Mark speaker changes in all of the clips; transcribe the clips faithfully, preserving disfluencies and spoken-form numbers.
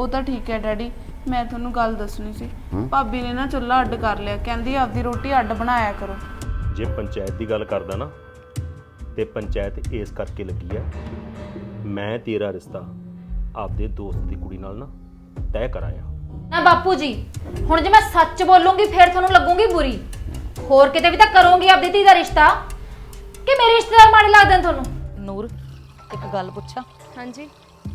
Speaker 1: ਉਹ ਤਾਂ ਠੀਕ ਹੈ ਡੈਡੀ, ਮੈਂ ਤੁਹਾਨੂੰ ਗੱਲ ਦੱਸਣੀ ਸੀ। ਭਾਬੀ ਨੇ ਨਾ ਚੁੱਲ੍ਹਾ ਅੱਡ ਕਰ ਲਿਆ, ਕਹਿੰਦੀ ਆਪਦੀ ਰੋਟੀ ਅੱਡ ਬਣਾਇਆ ਕਰੋ।
Speaker 2: ਜੇ ਪੰਚਾਇਤ ਦੀ ਗੱਲ ਕਰਦਾ ਨਾ ਤੇ ਪੰਚਾਇਤ ਇਸ ਕਰਕੇ ਲੱਗੀ ਆ, ਮੈਂ ਤੇਰਾ ਰਿਸ਼ਤਾ ਆਪਦੇ ਦੋਸਤ ਦੀ ਕੁੜੀ ਨਾਲ ਨਾ ਤੈਅ ਕਰਾਇਆ
Speaker 3: ਨਾ ਬਾਪੂ ਜੀ। ਹੁਣ ਜੇ ਮੈਂ ਸੱਚ ਬੋਲੂੰਗੀ ਫਿਰ ਤੁਹਾਨੂੰ ਲੱਗੂਗੀ ਬੁਰੀ। ਹੋਰ ਕਿਤੇ ਵੀ ਤਾਂ ਕਰੂੰਗੀ ਆਪਦੀ ਧੀ ਦਾ ਰਿਸ਼ਤਾ ਕਿ ਮੇਰੇ ਰਿਸ਼ਤੇਦਾਰ ਮਾੜੇ ਲੱਗਦੇ ਨੇ ਤੁਹਾਨੂੰ?
Speaker 4: ਨੂਰ ਇੱਕ ਗੱਲ ਪੁੱਛਾਂ?
Speaker 5: ਹਾਂਜੀ।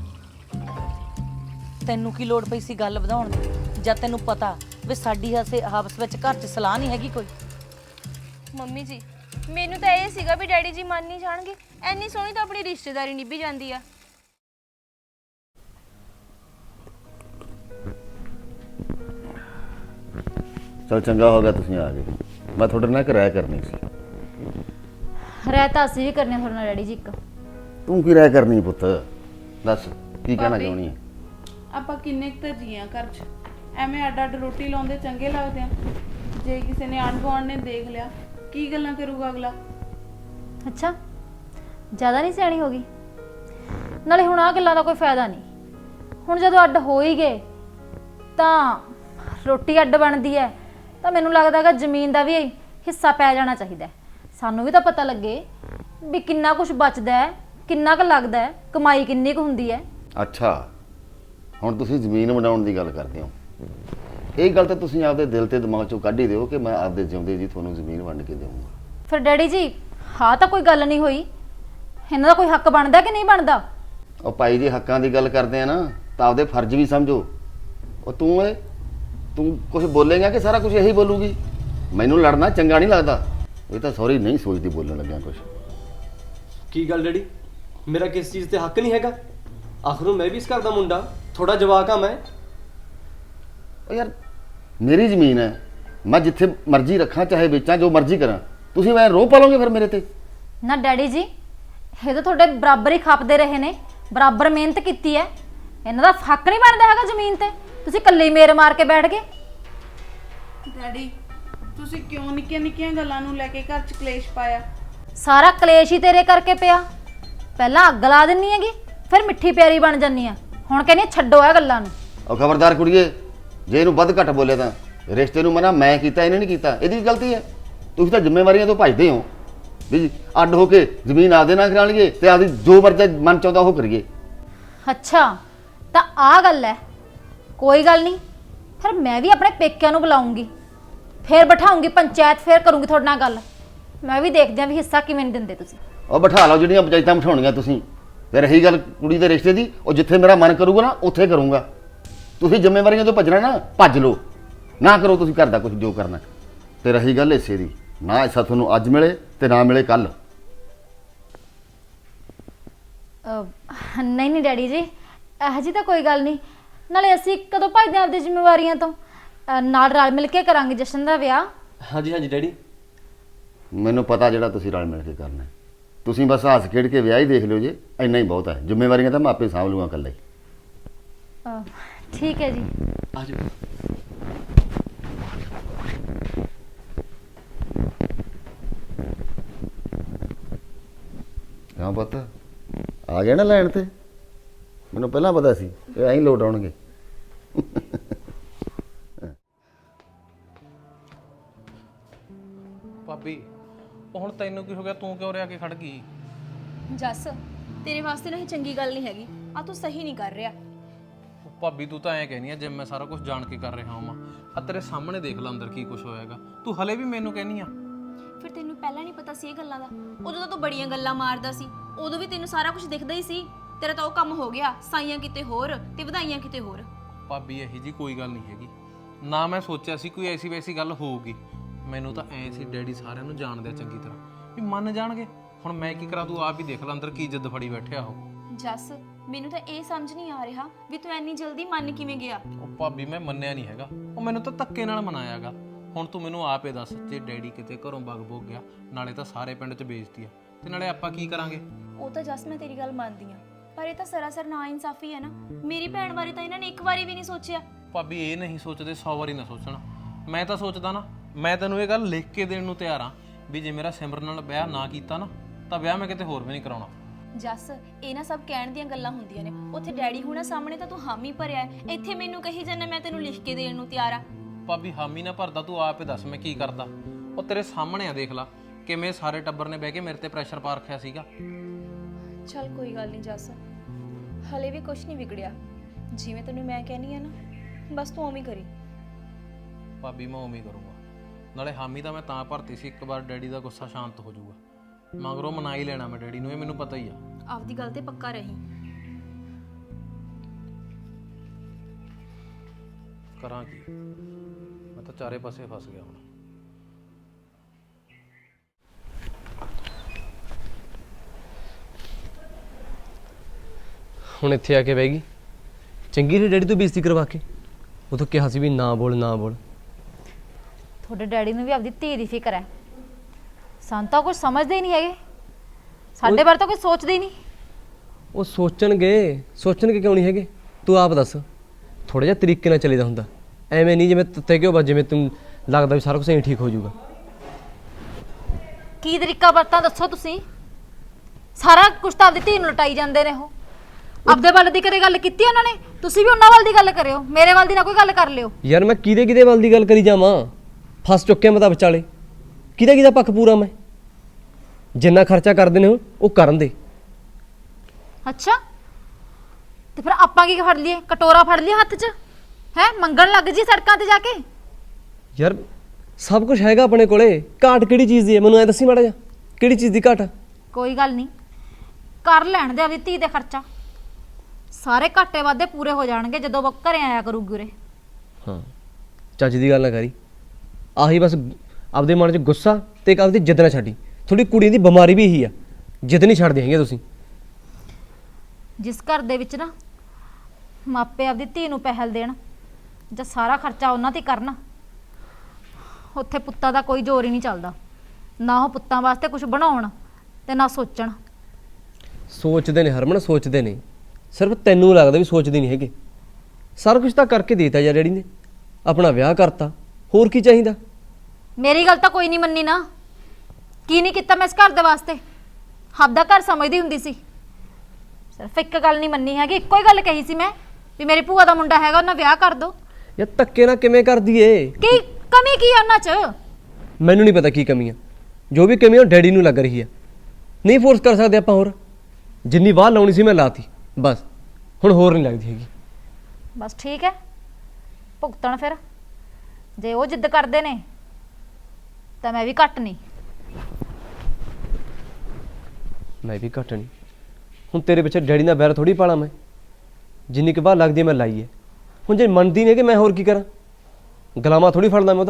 Speaker 4: ਤੈਨੂੰ ਕੀ ਲੋੜ ਪਈ ਸੀ ਗੱਲ ਵਧਾਉਣ ਦੀ, ਜਦ ਤੈਨੂੰ ਪਤਾ ਵੀ ਸਾਡੀ ਹਸੇ ਆਪਸ ਵਿੱਚ ਘਰ 'ਚ ਸਲਾਹ ਨਹੀਂ ਹੈਗੀ ਕੋਈ?
Speaker 5: ਮੰਮੀ ਜੀ ਮੈਨੂੰ ਤਾਂ ਇਹ ਸੀਗਾ ਵੀ ਡੈਡੀ ਜੀ ਮੰਨ ਨਹੀਂ ਜਾਣਗੇ, ਐਨੀ ਸੋਹਣੀ ਤਾਂ ਆਪਣੀ ਰਿਸ਼ਤੇਦਾਰੀ ਨਿਭੀ ਜਾਂਦੀ ਆ।
Speaker 6: ਚਲ ਚੰਗਾ ਹੋ ਗਿਆ ਤੁਸੀਂ ਆ ਗਏ, ਮੈਂ ਤੁਹਾਡੇ ਨਾਲ ਇੱਕ ਰਾਏ ਕਰਨੀ ਸੀ।
Speaker 3: ਰਹਿ ਤਾਂ ਅਸੀਂ ਵੀ ਕਰਨੇ ਤੁਹਾਡੇ ਨਾਲ ਡੈਡੀ ਜੀ। ਇੱਕ
Speaker 6: ਤੂੰ ਕੀ ਰਾਏ ਕਰਨੀ ਪੁੱਤ, ਦੱਸ ਕੀ ਕਹਿਣਾ
Speaker 1: ਭਾਬੀ,
Speaker 6: ਚਾਹੁੰਦੀ ਹੈ?
Speaker 1: ਆਪਾਂ ਕਿੰਨੇ ਕੁ ਤਾਂ ਜੀਆਂ ਘਰ 'ਚ, ਐਵੇਂ ਅੱਡ ਅੱਡ ਰੋਟੀ ਲਾਉਂਦੇ ਚੰਗੇ ਲੱਗਦੇ ਆ? ਜੇ ਕਿਸੇ ਨੇ ਆਂਢ ਗੁਆਂਢ ਨੇ ਦੇਖ ਲਿਆ ਕੀ ਗੱਲਾਂ ਕਰੂਗਾ ਅਗਲਾ?
Speaker 3: ਅੱਛਾ ਜ਼ਿਆਦਾ ਨਹੀਂ ਸਿਆਣੀ ਹੋ ਗਈ? ਨਾਲੇ ਹੁਣ ਆਹ ਗੱਲਾਂ ਦਾ ਕੋਈ ਫਾਇਦਾ ਨਹੀਂ। ਹੁਣ ਜਦੋਂ ਅੱਡ ਹੋ ਹੀ ਗਏ ਤਾਂ ਰੋਟੀ ਅੱਡ ਬਣਦੀ ਹੈ, ਤਾਂ ਮੈਨੂੰ ਲੱਗਦਾ ਹੈਗਾ ਜ਼ਮੀਨ ਦਾ ਵੀ ਹਿੱਸਾ ਪੈ ਜਾਣਾ ਚਾਹੀਦਾ। ਸਾਨੂੰ ਵੀ ਤਾਂ ਪਤਾ ਲੱਗੇ ਵੀ ਕਿੰਨਾ ਕੁਝ ਬਚਦਾ ਹੈ, ਕਿੰਨਾ ਕੁ ਲੱਗਦਾ ਹੈ, ਕਮਾਈ ਕਿੰਨੀ ਕੁ ਹੁੰਦੀ ਹੈ।
Speaker 6: ਅੱਛਾ ਹੁਣ ਤੁਸੀਂ ਜ਼ਮੀਨ ਵੰਡਾਉਣ ਦੀ ਗੱਲ ਕਰਦੇ ਹੋ। ਇਹ ਗੱਲ ਤਾਂ ਤੁਸੀਂ ਆਪਦੇ ਦਿਲ ਤੇ ਦਿਮਾਗ ਚੋਂ ਕੱਢ ਹੀ ਦਿਓ ਕਿ ਮੈਂ ਆਪਦੇ ਜਿਉਂਦੇ ਜੀ ਤੁਹਾਨੂੰ ਜ਼ਮੀਨ ਵੰਡ ਕੇ ਦੇਵਾਂਗਾ।
Speaker 3: ਫਿਰ ਡੈਡੀ ਜੀ ਹਾਂ ਤਾਂ ਕੋਈ ਗੱਲ ਨਹੀਂ ਹੋਈ, ਇਹਨਾਂ ਦਾ ਕੋਈ ਹੱਕ ਬਣਦਾ ਕਿ ਨਹੀਂ ਬਣਦਾ?
Speaker 6: ਉਹ ਭਾਈ ਜੀ ਹੱਕਾਂ ਦੀ ਗੱਲ ਕਰਦੇ ਆ ਨਾ ਤਾਂ ਆਪਦੇ ਫਰਜ਼ ਵੀ ਸਮਝੋ। ਉਹ ਤੂੰ ਏ ਤੂੰ ਕੁਝ ਬੋਲੇਗਾ ਕਿ ਸਾਰਾ ਕੁਝ ਇਹੀ ਬੋਲੂਗੀ? ਮੈਨੂੰ ਲੜਨਾ ਚੰਗਾ ਨਹੀਂ ਲੱਗਦਾ। ਇਹ ਤਾਂ ਸੌਰੀ ਨਹੀਂ ਸੋਚਦੀ ਬੋਲਣ ਲੱਗਿਆ ਕੁਝ।
Speaker 7: ਕੀ ਗੱਲ ਡੈਡੀ, ਮੇਰਾ ਕਿਸ ਚੀਜ਼ ਤੇ ਹੱਕ ਨਹੀਂ ਹੈਗਾ? ਆਖਰੋਂ ਮੈਂ ਵੀ ਇਸ ਘਰ ਦਾ ਮੁੰਡਾ, ਥੋੜਾ ਜਵਾਕ ਆ ਮੈਂ।
Speaker 6: ਉਹ ਯਾਰ ਮੇਰੀ ਜ਼ਮੀਨ ਹੈ, ਮੈਂ ਜਿੱਥੇ ਮਰਜ਼ੀ ਰੱਖਾਂ ਚਾਹੇ ਵੇਚਾਂ, ਜੋ ਮਰਜ਼ੀ ਕਰਾਂ। ਤੁਸੀਂ ਮੈਂ ਰੋਹ ਪਾਲੋਗੇ ਫਿਰ ਮੇਰੇ ਤੇ?
Speaker 3: ਨਾ ਡੈਡੀ ਜੀ ਇਹ ਤਾਂ ਤੁਹਾਡੇ ਬਰਾਬਰ ਹੀ ਖਾਪਦੇ ਰਹੇ ਨੇ, ਬਰਾਬਰ ਮਿਹਨਤ ਕੀਤੀ ਹੈ। ਇਹਨਾਂ ਦਾ ਹੱਕ ਨਹੀਂ ਬਣਦਾ ਹੈਗਾ ਜ਼ਮੀਨ ਤੇ? ਤੁਸੀਂ ਇਕੱਲੇ ਮੇਰ ਮਾਰ ਕੇ ਬੈਠ ਗਏ।
Speaker 1: ਡੈਡੀ ਤੁਸੀਂ ਕਿਉਂ ਨਿੱਕੀਆਂ ਨਿੱਕੀਆਂ ਗੱਲਾਂ ਨੂੰ ਲੈ ਕੇ ਘਰ 'ਚ ਕਲੇਸ਼ ਪਾਇਆ?
Speaker 3: ਸਾਰਾ ਕਲੇਸ਼ ਹੀ ਤੇਰੇ ਕਰਕੇ ਪਿਆ। ਪਹਿਲਾਂ ਅੱਗ ਲਾ ਦਿੰਨੀ ਹੈਗੀ, ਫਿਰ ਮਿੱਠੀ ਪਿਆਰੀ ਬਣ ਜਾਂਦੀ ਆ। ਹੁਣ ਕਹਿੰਦੀ ਛੱਡੋ ਇਹ ਗੱਲਾਂ ਨੂੰ।
Speaker 6: ਉਹ ਖਬਰਦਾਰ ਕੁੜੀਏ, ਜੇ ਇਹਨੂੰ ਵੱਧ ਘੱਟ ਬੋਲੇ ਤਾਂ ਰਿਸ਼ਤੇ ਨੂੰ ਮਨਾ ਮੈਂ ਕੀਤਾ, ਇਹਨੇ ਨਹੀਂ ਕੀਤਾ। ਇਹਦੀ ਗਲਤੀ ਹੈ। ਤੁਸੀਂ ਤਾਂ ਜ਼ਿੰਮੇਵਾਰੀਆਂ ਤੋਂ ਭੱਜਦੇ ਹੋ ਵੀ ਅੱਡ ਹੋ ਕੇ ਜ਼ਮੀਨ ਆਪਦੇ ਨਾਲ ਕਰਾ ਲਈਏ ਤੇ ਆਪਦੀ ਜੋ ਮਰਜ਼ੀ ਮਨ ਚਾਹੁੰਦਾ ਉਹ ਕਰੀਏ।
Speaker 3: ਅੱਛਾ ਤਾਂ ਆਹ ਗੱਲ ਹੈ। ਕੋਈ ਗੱਲ ਨਹੀਂ, ਫਿਰ ਮੈਂ ਵੀ ਆਪਣੇ ਪੇਕਿਆਂ ਨੂੰ ਬੁਲਾਉਂਗੀ, ਫਿਰ ਬਿਠਾਉਂਗੀ ਪੰਚਾਇਤ, ਫਿਰ ਕਰੂੰਗੀ ਤੁਹਾਡੇ ਨਾਲ ਗੱਲ। ਮੈਂ ਵੀ ਦੇਖਦੀ ਹਾਂ ਵੀ ਹਿੱਸਾ ਕਿਵੇਂ ਦਿੰਦੇ ਤੁਸੀਂ।
Speaker 6: ਉਹ ਬਿਠਾ ਲਓ ਜਿਹੜੀਆਂ ਪੰਚਾਇਤਾਂ ਬਿਠਾਉਣੀਆਂ ਤੁਸੀਂ। ਤੇ ਰਹੀ ਗੱਲ ਕੁੜੀ ਦੇ ਰਿਸ਼ਤੇ ਦੀ, ਉਹ ਜਿੱਥੇ ਮੇਰਾ ਮਨ ਕਰੂਗਾ ਨਾ ਉੱਥੇ ਕਰੂੰਗਾ। ਤੁਸੀਂ ਜ਼ਿੰਮੇਵਾਰੀਆਂ ਤੋਂ ਭੱਜਣਾ ਨਾ ਭੱਜ ਲਓ, ਨਾ ਕਰੋ ਤੁਸੀਂ ਘਰ ਦਾ ਕੁਝ ਜੋ ਕਰਨਾ। ਤੇ ਰਹੀ ਗੱਲ ਹਿੱਸੇ ਦੀ, ਨਾ ਹਿੱਸਾ ਤੁਹਾਨੂੰ ਅੱਜ ਮਿਲੇ ਤੇ ਨਾ ਮਿਲੇ ਕੱਲ।
Speaker 3: ਨਹੀਂ ਨਹੀਂ ਡੈਡੀ ਜੀ ਇਹੋ ਜਿਹੀ ਤਾਂ ਕੋਈ ਗੱਲ ਨਹੀਂ। ਨਾਲੇ ਅਸੀਂ ਕਦੋਂ ਭੱਜਦੇ ਆਪਦੀ ਜ਼ਿੰਮੇਵਾਰੀਆਂ ਤੋਂ? ਅਹ ਨਾਲ ਰਲ ਮਿਲ ਕੇ ਕਰਾਂਗੇ ਜਸ਼ਨ ਦਾ ਵਿਆਹ।
Speaker 7: ਹਾਂਜੀ ਹਾਂਜੀ ਡੈਡੀ।
Speaker 6: ਮੈਨੂੰ ਪਤਾ ਜਿਹੜਾ ਤੁਸੀਂ ਰਲ ਮਿਲ ਕੇ ਕਰਨਾ। ਤੁਸੀਂ ਬਸ ਹੱਸ ਖੇਡ ਕੇ ਵਿਆਹ ਹੀ ਦੇਖ ਲਿਓ ਜੇ, ਇੰਨਾ ਹੀ ਬਹੁਤ ਹੈ। ਜ਼ਿੰਮੇਵਾਰੀਆਂ ਤਾਂ ਮੈਂ ਆਪੇ ਸਾਂਭ ਲੂੰਗਾ ਇਕੱਲਾ ਹੀ।
Speaker 3: ਅਹ ਠੀਕ ਹੈ ਜੀ।
Speaker 7: ਆ ਜਾਓ।
Speaker 6: ਹਾਂ ਪੁੱਤ ਆ ਗਿਆ ਨਾ ਲੈਣ ਤੇ? ਮੈਨੂੰ ਪਹਿਲਾਂ ਪਤਾ ਸੀ ਇਹ ਐਂ ਲੋਟ ਆਉਣਗੇ।
Speaker 8: ਭਾਬੀ ਉਹ ਹੁਣ ਤੈਨੂੰ ਕੀ ਹੋ ਗਿਆ? ਤੂੰ ਕਿਉਂ ਰਿਆ ਕੇ ਖੜ ਗਈ?
Speaker 5: ਜੱਸ ਤੇਰੇ ਵਾਸਤੇ ਨਾ ਇਹ ਚੰਗੀ ਗੱਲ ਨਹੀਂ ਹੈਗੀ। ਆ ਤੂੰ ਸਹੀ ਨਹੀਂ ਕਰ ਰਿਹਾ।
Speaker 8: ਉਹ ਭਾਬੀ ਤੂੰ ਤਾਂ ਐਂ ਕਹਿਨੀ ਆ ਜਿਵੇਂ ਮੈਂ ਸਾਰਾ ਕੁਝ ਜਾਣ ਕੇ ਕਰ ਰਿਹਾ ਹਾਂ। ਆ ਤੇਰੇ ਸਾਹਮਣੇ ਦੇਖ ਲੈ ਅੰਦਰ ਕੀ ਕੁਝ ਹੋਇਆਗਾ। ਤੂੰ ਹਲੇ ਵੀ ਮੈਨੂੰ ਕਹਿਨੀ ਆ?
Speaker 5: ਫਿਰ ਤੈਨੂੰ ਪਹਿਲਾਂ ਨਹੀਂ ਪਤਾ ਸੀ ਇਹ ਗੱਲਾਂ ਦਾ? ਉਦੋਂ ਤਾਂ ਤੂੰ ਬੜੀਆਂ ਗੱਲਾਂ ਮਾਰਦਾ ਸੀ, ਉਦੋਂ ਵੀ ਤੈਨੂੰ ਸਾਰਾ ਕੁਝ ਦਿਖਦਾ ਹੀ ਸੀ। ਤੇਰਾ ਤਾਂ ਉਹ ਕੰਮ ਹੋ ਗਿਆ, ਸਾਈਆਂ ਕਿਤੇ ਹੋਰ ਤੇ ਵਧਾਈਆਂ ਕਿਤੇ ਹੋਰ।
Speaker 8: ਭਾਬੀ ਇਹੀ ਜੀ ਕੋਈ ਗੱਲ ਨਹੀਂ ਹੈਗੀ ਨਾ। ਮੈਂ ਸੋਚਿਆ ਸੀ ਕੋਈ ਐਸੀ ਵੈਸੀ ਗੱਲ ਹੋਊਗੀ। ਮੈਨੂੰ ਤਾਂ ਐ ਸੀ ਡੈਡੀ ਸਾਰਿਆਂ ਨੂੰ ਜਾਣਦੇ ਆ ਚੰਗੀ ਤਰ੍ਹਾਂ, ਵੀ ਮੰਨ ਜਾਣਗੇ। ਹੁਣ ਮੈਂ ਕੀ ਕਰਾਂ? ਤੂੰ ਆਪ ਹੀ ਦੇਖ ਲੈ ਅੰਦਰ ਕੀ ਜਿੱਦ ਫੜੀ ਬੈਠਿਆ ਉਹ।
Speaker 5: ਜੱਸ ਮੈਨੂੰ ਤਾਂ ਇਹ ਸਮਝ ਨਹੀਂ ਆ ਰਿਹਾ ਵੀ ਤੂੰ ਇੰਨੀ ਜਲਦੀ ਮੰਨ ਕਿਵੇਂ ਗਿਆ?
Speaker 8: ਉਹ ਭਾਬੀ ਮੈਂ ਮੰਨਿਆ ਨਹੀਂ ਹੈਗਾ, ਉਹ ਮੈਨੂੰ ਤਾਂ ਧੱਕੇ ਨਾਲ ਮਨਾਇਆਗਾ। ਹੁਣ ਤੂੰ ਮੈਨੂੰ ਆਪੇ ਦੱਸ, ਜੇ ਡੈਡੀ ਕਿਤੇ ਘਰੋਂ ਬਗ ਬੋਗ ਗਿਆ, ਨਾਲੇ ਤਾਂ ਸਾਰੇ ਪਿੰਡ 'ਚ ਬੇਇੱਜ਼ਤੀ ਆ ਤੇ ਨਾਲੇ ਆਪਾਂ ਕੀ ਕਰਾਂਗੇ?
Speaker 5: ਉਹ ਤਾਂ ਜੱਸ ਮੈਂ ਤੇਰੀ ਗੱਲ ਮੰਨਦੀ ਆ, ਪਰ ਇਹ ਤਾਂ ਸਰਾਸਰ ਨਾ ਇਨਸਾਫੀ ਹੈ ਨਾ। ਮੇਰੀ ਭੈਣ ਬਾਰੇ ਤਾਂ ਇਹਨਾਂ ਨੇ ਇੱਕ ਵਾਰੀ ਵੀ ਨਹੀਂ ਸੋਚਿਆ।
Speaker 8: ਭਾਬੀ ਇਹ ਨਹੀਂ ਸੋਚਦੇ, ਸੌ ਵਾਰੀ ਨਾ ਸੋਚਣਾ। ਮੈਂ ਤਾਂ ਸੋਚਦਾ ਨਾ, ਮੈਂ ਤੈਨੂੰ ਇਹ ਗੱਲ ਲਿਖ ਕੇ ਦੇਣ ਨੂੰ ਤਿਆਰ ਆ ਵੀ ਜੇ ਮੇਰਾ ਸਿਮਰਨ ਨਾਲ ਵਿਆਹ ਨਾ ਕੀਤਾ ਨਾ ਤਾਂ ਵਿਆਹ ਮੈਂ ਕਿਤੇ ਹੋਰ ਵੀ ਨਹੀਂ ਕਰਾਉਣਾ।
Speaker 5: ਜੱਸ ਇਹ ਨਾ ਸਭ ਕਹਿਣ ਦੀਆਂ ਗੱਲਾਂ ਹੁੰਦੀਆਂ ਨੇ। ਉੱਥੇ ਡੈਡੀ ਹੁਣਾਂ ਸਾਹਮਣੇ ਤਾਂ ਤੂੰ ਹਾਮੀ ਭਰਿਆ ਹੈ, ਇੱਥੇ ਮੈਨੂੰ ਕਹੀ ਜਾਂਦਾ ਮੈਂ ਤੈਨੂੰ ਲਿਖ ਕੇ ਦੇਣ ਨੂੰ ਤਿਆਰ ਆ।
Speaker 8: ਭਾਬੀ ਹਾਮੀ ਨਾ ਭਰਦਾ, ਤੂੰ ਆਪ ਹੀ ਦੱਸ ਮੈਂ ਕੀ ਕਰਦਾ। ਉਹ ਤੇਰੇ ਸਾਹਮਣੇ ਆ, ਦੇਖ ਲਾ ਕਿਵੇਂ ਸਾਰੇ ਟੱਬਰ ਨੇ ਬਹਿ ਕੇ ਮੇਰੇ ਤੇ ਪ੍ਰੈਸ਼ਰ ਪਾ ਰੱਖਿਆ ਸੀਗਾ।
Speaker 5: ਚੱਲ ਕੋਈ ਗੱਲ ਨਹੀਂ ਜੱਸ, ਹਲੇ ਵੀ ਕੁਝ ਨਹੀਂ ਵਿਗੜਿਆ। ਜਿਵੇਂ ਤੈਨੂੰ ਮੈਂ ਕਹਿਨੀ ਆ ਨਾ, ਬਸ ਤੂੰ ਉਵੇਂ ਹੀ ਕਰੀ।
Speaker 8: ਭਾਬੀ ਮੈਂ ਉਵੇਂ ਹੀ ਕਰੂੰਗਾ। ਨਾਲੇ ਹਾਮੀ ਤਾਂ ਮੈਂ ਤਾਂ ਭਰਤੀ ਸੀ, ਇੱਕ ਵਾਰ ਡੈਡੀ ਦਾ ਗੁੱਸਾ ਸ਼ਾਂਤ ਹੋ ਜਾਊਗਾ। ਮਗਰੋਂ ਮਨਾ ਹੀ ਲੈਣਾ ਮੈਂ ਡੈਡੀ ਨੂੰ, ਇਹ ਮੈਨੂੰ ਪਤਾ ਹੀ ਆ।
Speaker 5: ਆਪਦੀ ਗੱਲ ਤੇ ਪੱਕਾ ਰਹੀ।
Speaker 8: ਕਰਾਂ ਕੀ, ਮੈਂ ਤਾਂ ਚਾਰੇ ਪਾਸੇ ਫਸ ਗਿਆ ਹੁਣ।
Speaker 7: ਹੁਣ ਇੱਥੇ ਆ ਕੇ ਬਹਿ ਗਈ। ਚੰਗੀ ਨੇ ਡੈਡੀ ਤੋਂ ਬੇਇੱਜ਼ਤੀ ਕਰਵਾ ਕੇ। ਉਹ ਤਾਂ ਕਿਹਾ ਸੀ ਵੀ ਨਾ ਬੋਲ ਨਾ ਬੋਲ।
Speaker 3: ਤੁਹਾਡੇ ਡੈਡੀ ਨੂੰ ਵੀ ਆਪਦੀ ਧੀ ਦੀ ਫਿਕਰ ਹੈ, ਸਾਨੂੰ ਤਾਂ ਕੁਝ ਸਮਝਦੇ ਹੀ ਨਹੀਂ ਹੈਗੇ। ਸਾਡੇ ਬਾਰੇ ਤਾਂ ਕੋਈ ਸੋਚਦੇ ਹੀ ਨਹੀਂ।
Speaker 7: ਉਹ ਸੋਚਣਗੇ ਸੋਚਣਗੇ ਕਿਉਂ ਨਹੀਂ ਹੈਗੇ? ਤੂੰ ਆਪ ਦੱਸ। ਥੋੜਾ ਜਿਹਾ ਤਰੀਕੇ ਨਾਲ ਚੱਲੀਦਾ ਹੁੰਦਾ, ਐਵੇਂ ਨਹੀਂ ਜਿਵੇਂ ਤੱਤੇ ਕਿਉਂ ਬਸ ਜਿਵੇਂ ਤੈਨੂੰ ਲੱਗਦਾ ਵੀ ਸਾਰਾ ਕੁਝ ਐਂ ਠੀਕ ਹੋ ਜਾਊਗਾ।
Speaker 3: ਕੀ ਤਰੀਕਾ ਵਰਤਾਂ ਦੱਸੋ ਤੁਸੀਂ? ਸਾਰਾ ਕੁਝ ਤਾਂ ਆਪਦੀ ਧੀ ਨੂੰ ਲਟਾਈ ਜਾਂਦੇ ਨੇ। ਉਹ ਆਪਦੇ ਵੱਲ ਦੀ ਕਦੇ ਗੱਲ ਕੀਤੀ ਉਹਨਾਂ ਨੇ? ਤੁਸੀਂ ਵੀ ਉਹਨਾਂ ਵੱਲ ਦੀ ਗੱਲ ਕਰਿਓ, ਮੇਰੇ ਵੱਲ ਦੀ ਨਾ ਕੋਈ ਗੱਲ ਕਰ ਲਿਓ।
Speaker 7: ਯਾਰ ਮੈਂ ਕਿਹਦੇ ਕਿਹਦੇ ਵੱਲ ਦੀ ਗੱਲ ਕਰੀ ਜਾਵਾਂ? ਫਸ ਚੁੱਕਿਆ ਮੈਂ ਤਾਂ ਵਿਚਾਲੇ। ਕਿਹਦਾ ਕਿਹਦਾ ਪੱਖ ਪੂਰਾ ਮੈਂ? ਜਿੰਨਾ ਖਰਚਾ ਕਰਦੇ ਨੇ ਉਹ ਕਰਨ ਦੇ।
Speaker 3: ਅੱਛਾ, ਤੇ ਫਿਰ ਆਪਾਂ ਕੀ ਫੜ ਲਈਏ? ਕਟੋਰਾ ਫੜ ਲਈਏ ਹੱਥ 'ਚ ਹੈ? ਮੰਗਣ ਲੱਗ ਜੀ ਸੜਕਾਂ ਤੇ ਜਾ ਕੇ।
Speaker 7: ਯਾਰ ਸਭ ਕੁਝ ਹੈਗਾ ਆਪਣੇ ਕੋਲੇ, ਘਾਟ ਕਿਹੜੀ ਚੀਜ਼ ਦੀ ਹੈ? ਮੈਨੂੰ ਐ ਦੱਸੀ ਮਾੜਾ ਜਿਹਾ, ਕਿਹੜੀ ਚੀਜ਼ ਦੀ ਘਾਟ ਆ?
Speaker 3: ਕੋਈ ਗੱਲ ਨਹੀਂ, ਕਰ ਲੈਣ ਦੇ ਆਪਦੀ ਧੀ ਦੇ ਖਰਚਾ। ਸਾਰੇ ਘਾਟੇ ਵਾਧੇ ਪੂਰੇ ਹੋ ਜਾਣਗੇ ਜਦੋਂ ਉਹ ਘਰੇ ਆਇਆ ਕਰੂਗੀ ਉਰੇ।
Speaker 7: ਹਾਂ, ਚੱਜ ਦੀ ਗੱਲ ਨਾ ਕਰੀ। ਆਹੀ ਬਸ ਆਪਦੇ ਮਨ 'ਚ ਗੁੱਸਾ ਤੇ ਇੱਕ ਆਪਦੀ ਜਿੱਦ ਨਾ ਛੱਡੀ। ਥੋੜੀ ਕੁੜੀ ਦੀ ਬਿਮਾਰੀ ਵੀ ਇਹੀ ਆ, ਜਿੱਦ ਨਹੀਂ ਛੱਡਦੇ ਹੈਗੇ ਤੁਸੀਂ।
Speaker 3: ਜਿਸ ਘਰ ਦੇ ਵਿੱਚ ਨਾ ਮਾਪੇ ਆਪਦੀ ਧੀ ਨੂੰ ਪਹਿਲ ਦੇਣ ਜਾਂ ਸਾਰਾ ਖਰਚਾ ਉਹਨਾਂ ਤੇ ਕਰਨ, ਉੱਥੇ ਪੁੱਤਾਂ ਦਾ ਕੋਈ ਜ਼ੋਰ ਹੀ ਨਹੀਂ ਚੱਲਦਾ। ਨਾ ਉਹ ਪੁੱਤਾਂ ਵਾਸਤੇ ਕੁਝ ਬਣਾਉਣ ਤੇ ਨਾ ਸੋਚਣ।
Speaker 7: ਸੋਚਦੇ ਨੇ ਹਰਮਨ, ਸੋਚਦੇ ਨੇ। ਸਿਰਫ ਤੈਨੂੰ ਲੱਗਦਾ ਵੀ ਸੋਚਦੇ ਨਹੀਂ ਹੈਗੇ। ਸਾਰਾ ਕੁਝ ਤਾਂ ਕਰਕੇ ਦੇਤਾ ਯਾਰ ਡੈਡੀ ਨੇ, ਆਪਣਾ ਵਿਆਹ ਕਰਤਾ, ਹੋਰ ਕੀ ਚਾਹੀਦਾ?
Speaker 3: ਮੇਰੀ ਗੱਲ ਤਾਂ ਕੋਈ ਨਹੀਂ ਮੰਨੀ ਨਾ। ਕੀ ਨਹੀਂ ਕੀਤਾ ਮੈਂ ਇਸ ਘਰ ਦੇ ਵਾਸਤੇ? ਆਪਦਾ ਘਰ ਸਮਝਦੀ ਹੁੰਦੀ ਸੀ। ਸਿਰਫ ਇੱਕ ਗੱਲ ਨਹੀਂ ਮੰਨੀ ਹੈਗੀ, ਇੱਕੋ ਹੀ ਗੱਲ ਕਹੀ ਸੀ ਮੈਂ ਵੀ ਮੇਰੀ ਭੂਆ ਦਾ ਮੁੰਡਾ ਹੈਗਾ, ਉਹਨਾਂ ਵਿਆਹ ਕਰ ਦੋ।
Speaker 7: ਯਾਰ ਧੱਕੇ ਨਾਲ ਕਿਵੇਂ ਕਰਦੀ ਏ?
Speaker 3: ਕੀ ਕਮੀ ਕੀ ਆ ਉਹਨਾਂ 'ਚ?
Speaker 7: ਮੈਨੂੰ ਨਹੀਂ ਪਤਾ ਕੀ ਕਮੀ ਆ। ਜੋ ਵੀ ਕਮੀ ਆ ਉਹ ਡੈਡੀ ਨੂੰ ਲੱਗ ਰਹੀ ਆ। ਨਹੀਂ ਫੋਰਸ ਕਰ ਸਕਦੇ ਆਪਾਂ ਹੋਰ। ਜਿੰਨੀ ਵਾਹ ਲਾਉਣੀ ਸੀ ਮੈਂ ਲਾਤੀ, ਬਸ ਹੁਣ ਹੋਰ ਨਹੀਂ ਲੱਗਦੀ ਹੈਗੀ।
Speaker 3: ਬਸ ਠੀਕ ਹੈ, ਭੁਗਤਣ ਫਿਰ। ਜੇ ਉਹ ਜਿੱਦ ਕਰਦੇ ਨੇ ਤਾਂ ਮੈਂ ਵੀ ਘੱਟ ਨਹੀਂ।
Speaker 7: ਮੈਂ ਵੀ ਘੱਟ ਨਹੀਂ। ਹੁਣ ਤੇਰੇ ਪਿੱਛੇ ਡੈਡੀ ਨਾਲ ਬੈਰ ਥੋੜੀ ਪਾਲਾ ਮੈਂ। ਜਿੰਨੀ ਕੁ ਵਾਹ ਲੱਗਦੀ ਮੈਂ ਲਾਈ ਹੈ। ਹੁਣ ਜੇ ਮੰਨਦੀ ਨਹੀਂ ਕਿ ਮੈਂ ਹੋਰ ਕੀ ਕਰਾਂ? ਗੁਲਾਮਾ ਥੋੜੀ ਫੜਦਾ ਮੈਂ ਉਹਦਾ।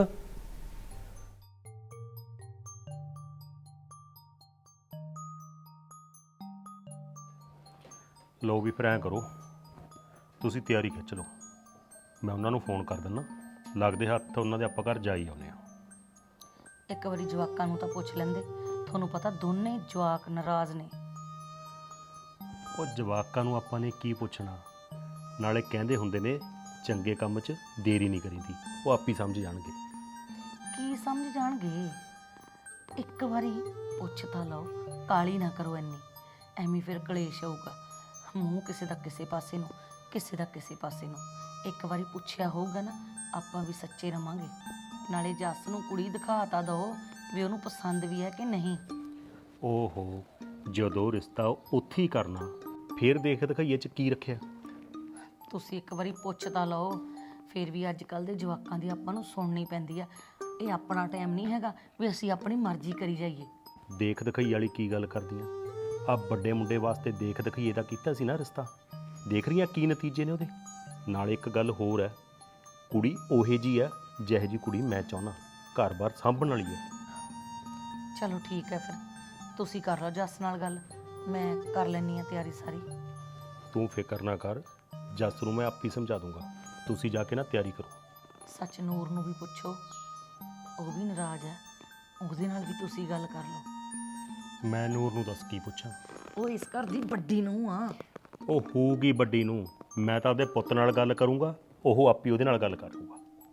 Speaker 2: ਲਓ ਵੀ ਫਿਰ ਐਂ ਕਰੋ, ਤੁਸੀਂ ਤਿਆਰੀ ਖਿੱਚ ਲਓ, ਮੈਂ ਉਹਨਾਂ ਨੂੰ ਫੋਨ ਕਰ ਦਿੰਦਾ। ਲੱਗਦੇ ਹੱਥ ਉਹਨਾਂ ਦੇ ਆਪਾਂ ਘਰ ਜਾ ਹੀ ਆਉਂਦੇ ਹਾਂ।
Speaker 4: ਇੱਕ ਵਾਰੀ ਜਵਾਕਾਂ ਨੂੰ ਤਾਂ ਪੁੱਛ ਲੈਂਦੇ। ਤੁਹਾਨੂੰ ਪਤਾ ਦੋਨੇ ਜਵਾਕ ਨਾਰਾਜ਼ ਨੇ।
Speaker 2: ਉਹ ਜਵਾਕਾਂ ਨੂੰ ਆਪਾਂ ਨੇ ਕੀ ਪੁੱਛਣਾ? ਨਾਲੇ ਕਹਿੰਦੇ ਹੁੰਦੇ ਨੇ ਚੰਗੇ ਕੰਮ 'ਚ ਦੇਰੀ ਨਹੀਂ ਕਰੀਦੀ, ਉਹ ਆਪ ਹੀ ਸਮਝ ਜਾਣਗੇ।
Speaker 4: ਕੀ ਸਮਝ ਜਾਣਗੇ? ਇੱਕ ਵਾਰੀ ਪੁੱਛ ਤਾਂ ਲਓ, ਕਾਲੀ ਨਾ ਕਰੋ ਇੰਨੀ, ਐਵੇਂ ਫਿਰ ਕਲੇਸ਼ ਆਊਗਾ। ਮੂੰਹ ਕਿਸੇ ਦਾ ਕਿਸੇ ਪਾਸੇ ਨੂੰ, ਕਿਸੇ ਦਾ ਕਿਸੇ ਪਾਸੇ ਨੂੰ। ਇੱਕ ਵਾਰੀ ਪੁੱਛਿਆ ਹੋਊਗਾ ਨਾ, ਆਪਾਂ ਵੀ ਸੱਚੇ ਰਵਾਂਗੇ। ਨਾਲੇ ਜੱਸ ਨੂੰ ਕੁੜੀ ਦਿਖਾ ਤਾਂ ਦਿਓ ਵੀ ਉਹਨੂੰ ਪਸੰਦ ਵੀ ਹੈ ਕਿ ਨਹੀਂ।
Speaker 2: ਓਹੋ, ਜਦੋਂ ਰਿਸ਼ਤਾ ਉੱਥੇ ਹੀ ਕਰਨਾ, ਫਿਰ ਦੇਖ ਦਿਖਾਈਏ 'ਚ ਕੀ ਰੱਖਿਆ।
Speaker 4: ਤੁਸੀਂ ਇੱਕ ਵਾਰੀ ਪੁੱਛ ਤਾਂ ਲਓ। ਫਿਰ ਵੀ ਅੱਜ ਕੱਲ੍ਹ ਦੇ ਜਵਾਕਾਂ ਦੀ ਆਪਾਂ ਨੂੰ ਸੁਣਨੀ ਪੈਂਦੀ ਆ। ਇਹ ਆਪਣਾ ਟਾਈਮ ਨਹੀਂ ਹੈਗਾ ਵੀ ਅਸੀਂ ਆਪਣੀ ਮਰਜ਼ੀ ਕਰੀ ਜਾਈਏ।
Speaker 2: ਦੇਖ ਦਿਖਾਈ ਵਾਲੀ ਕੀ ਗੱਲ ਕਰਦੀਆਂ? ਆ ਵੱਡੇ ਮੁੰਡੇ ਵਾਸਤੇ ਦੇਖ ਦਿਖਾਈਏ ਦਾ ਕੀਤਾ ਸੀ ਨਾ ਰਿਸ਼ਤਾ। ਦੇਖ ਰਹੀਆਂ ਕੀ ਨਤੀਜੇ ਨੇ ਉਹਦੇ। ਨਾਲੇ ਇੱਕ ਗੱਲ ਹੋਰ ਹੈ, ਕੁੜੀ ਉਹੇ ਜੀ ਹੈ ਜਿਹੋ ਜੀ ਕੁੜੀ ਮੈਂ ਚਾਹੁੰਦਾ, ਘਰ-ਬਾਰ ਸਾਂਭਣ ਵਾਲੀ ਹੈ।
Speaker 4: ਚਲੋ ਠੀਕ ਹੈ, ਫਿਰ ਤੁਸੀਂ ਕਰ ਲਓ ਜੱਸ ਨਾਲ ਗੱਲ, ਮੈਂ ਕਰ ਲੈਂਦੀ ਹਾਂ ਤਿਆਰੀ ਸਾਰੀ।
Speaker 2: ਤੂੰ ਫਿਕਰ ਨਾ ਕਰ, ਜੱਸ ਨੂੰ ਮੈਂ ਆਪੇ ਸਮਝਾ ਦੂੰਗਾ। ਤੁਸੀਂ ਜਾ ਕੇ ਨਾ ਤਿਆਰੀ ਕਰੋ।
Speaker 4: ਸੱਚ ਨੂਰ ਨੂੰ ਵੀ ਪੁੱਛੋ, ਉਹ ਵੀ ਨਾਰਾਜ਼ ਹੈ, ਉਹਦੇ ਨਾਲ ਵੀ ਤੁਸੀਂ ਗੱਲ ਕਰ ਲਓ।
Speaker 2: ਮੈਂ ਨੂਰ ਨੂੰ ਦੱਸ ਕੀ ਪੁੱਛਾਂ?
Speaker 4: ਉਹ ਇਸ ਘਰ ਦੀ ਵੱਡੀ ਨੂੰ ਆ।
Speaker 2: ਉਹ ਹੋਊਗੀ ਵੱਡੀ ਨੂੰ, ਮੈਂ ਤਾਂ ਉਹਦੇ ਪੁੱਤ ਨਾਲ ਗੱਲ ਕਰੂੰਗਾ, ਉਹ ਆਪੇ ਉਹਦੇ ਨਾਲ ਗੱਲ ਕਰ ਲੂਗਾ।